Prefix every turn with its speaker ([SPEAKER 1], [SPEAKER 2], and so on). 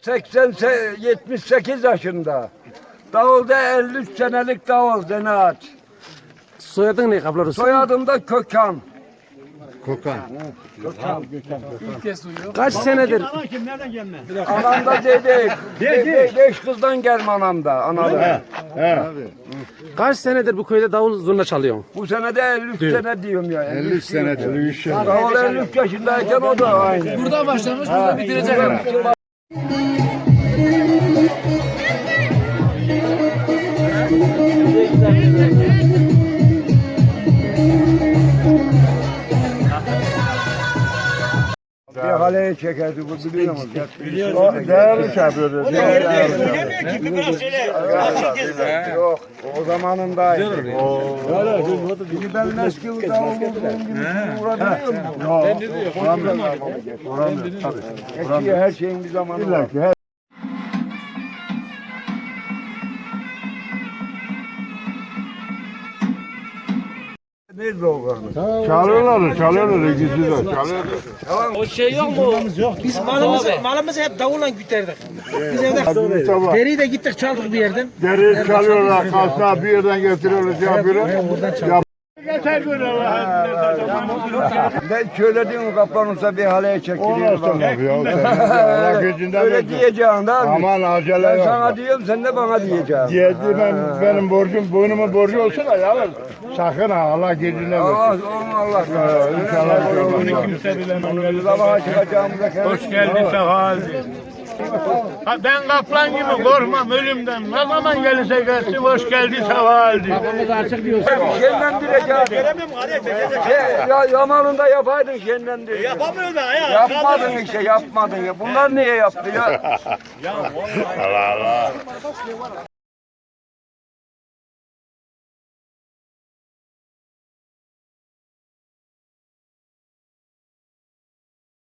[SPEAKER 1] 78 yaşında. Davulda 53 senelik davul zanaat.
[SPEAKER 2] Soyadın ne Kablo Resul?
[SPEAKER 1] Soyadım da Kökan.
[SPEAKER 3] Kokan.
[SPEAKER 2] Kaç senedir?
[SPEAKER 1] Anam da dedi. 5 kızdan gelme anam da. Anam.
[SPEAKER 2] Kaç senedir bu köyde davul zurna çalıyorsun?
[SPEAKER 1] Bu sene de 53 sene diyorum ya.
[SPEAKER 3] 53 senedir. 53 senedir.
[SPEAKER 1] Davul 53 yaşındayken o da aynı.
[SPEAKER 4] Burada başlamış, burada bitirecek.
[SPEAKER 1] Bir haleye çekerdi bu biliyor musun?
[SPEAKER 3] Değerli çarpıyoruz.
[SPEAKER 1] Yok o zamanındaydı. Şimdi ben eski davul bulduğum gibi uğraşıyorum. Eski her şeyin bir zamanı var. Nerede o karnı?
[SPEAKER 3] Çalıyorlar ikisi de çalıyorlar.
[SPEAKER 4] O şey yok mu? Biz malımızı hep davulla güterdik. Biz evde
[SPEAKER 3] Sabah
[SPEAKER 4] deriyi de gittik çaldık bir yerden.
[SPEAKER 3] deri çalıyorlar, kalsa bir yerden getiriyorlar, şey yapıyorlar. Ya
[SPEAKER 1] Ben söylediğim kaplanırsa bir haleye çekiliyor.
[SPEAKER 3] Olmaz tabii ya. Allah gücünden
[SPEAKER 1] Öyle
[SPEAKER 3] versin.
[SPEAKER 1] diyeceğim da.
[SPEAKER 3] Aman acele
[SPEAKER 1] Ben
[SPEAKER 3] yok.
[SPEAKER 1] sana diyorum sen de bana diyeceksin.
[SPEAKER 3] Diyedi benim borcum, boynumun borcu olsun da yalnız. Sakın ha Allah gücünden
[SPEAKER 1] Allah
[SPEAKER 3] versin.
[SPEAKER 1] Allah.
[SPEAKER 3] İnşallah.
[SPEAKER 1] Bunu kimse bilemez. Sabaha çıkacağımıza
[SPEAKER 5] Hoş geldin sefa Ben kaplan gibi korkmam ölümden. Ne zaman gelirse gelsin hoş geldi sefa
[SPEAKER 1] Şenlendireceğim. Ya yamanında yapaydın şenlendir.
[SPEAKER 5] Yapamıyor da ya.
[SPEAKER 1] Yapmadın işte yapmadın ya. Bunlar niye yaptı ya?
[SPEAKER 3] Allah Allah.